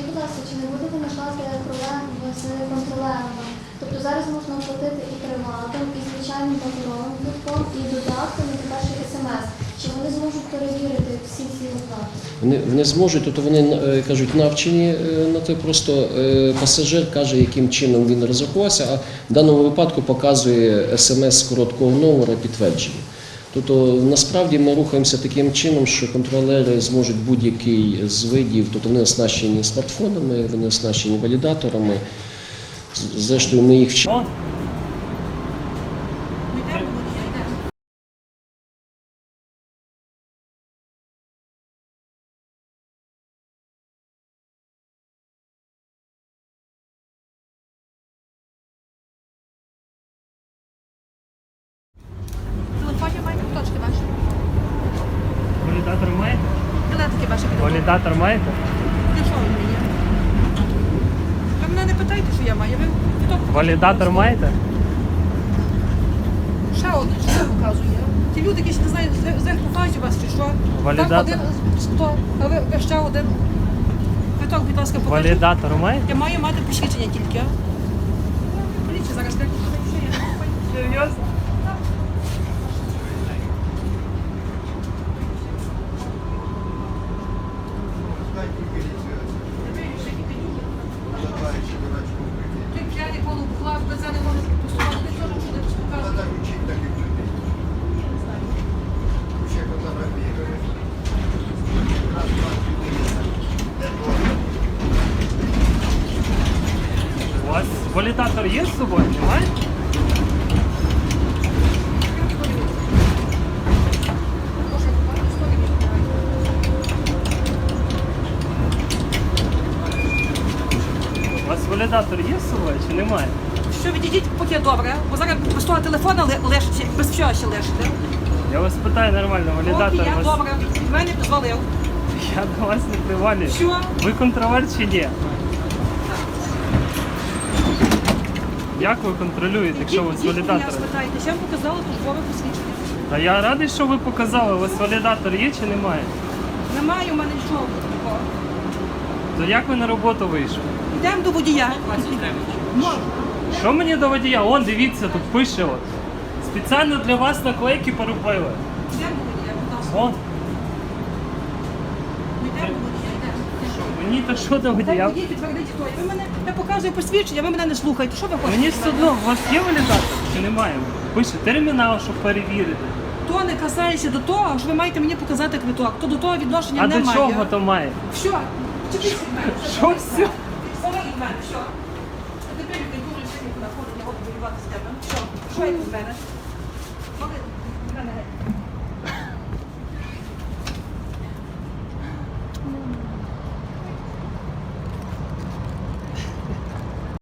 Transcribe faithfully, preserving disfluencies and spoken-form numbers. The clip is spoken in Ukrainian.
будь ласка, чи не будете накласти проблем з контролерами? Тобто зараз можна оплатити і приватом, і звичайним паперовим квитком, і додатком, і тепер ще смс. Чи вони зможуть перевірити всі ці оплати? Вони, вони зможуть, тобто вони е, кажуть, навчені е, на те, просто е, пасажир каже, яким чином він розрахувався, а в даному випадку показує смс з короткого номера підтвердження. Тобто насправді ми рухаємося таким чином, що контролери зможуть будь-який з видів, тобто вони оснащені смартфонами, вони оснащені валідаторами. Зрештою, ми їх вчимо. Телефоні маєте точки ваші? Валідатор маєте? Білетики ваші підготовлені. Валідатор маєте? Для чого він мені? Ви мене не питайте, що я маю. Ви хто? Валідатор маєте? Ще один, що показує. Ті люди, які ще не знають, заховають у вас чи що? Валідатор. Так, один, сто, а ви, ви ще один. Квиток, будь ласка, покажіть. Валідатор маєте? Я маю мати посвідчення тільки. Поліція зараз так, що є. Серйозно? Ти п'яний полуклав, без не можеш посувати. Ти теж що не показує. У вас валідатор є з собою? Немає? У вас валідатор є з собою чи немає? Що відійдіть, поки добре, бо зараз без того телефона ле- лежите, без всього ще лежите. Я вас питаю нормально, Поки валідатор я у вас... добре, від мене дозволив. Я до вас не привалюю. Що? Ви контролер чи ні? Як ви контролюєте, якщо ви з Ідіть, мене валідатором? спитайте, я вам показала службове посвідчення. Та я радий, що ви показали, у вас валідатор є чи немає? Немає у мене нічого такого. То як ви на роботу вийшли? Йдемо до водія. Можна. Що мені до водія? Он, дивіться, тут пише от. Спеціально для вас наклейки поробили. Йдемо до водія, будь ласка. Вон. Ну, Йдемо до водія, йдемо. Мені то що до Так, водія? водій підтвердить, хто. я. Ви мене, я показую посвідчення, ви мене не слухаєте. Що ви хочете? Мені від все мене? одно, у вас є валідатор чи немає? Пише термінал, щоб перевірити. То не касається до того, що ви маєте мені показати квиток. То до того відношення А немає. до чого то має? Все, чекайте від мене. Що все? Саме від мене, все. А тепер я дуже сьогодні куди ходить, я буду воювати з тебе. Що? Що як від мене?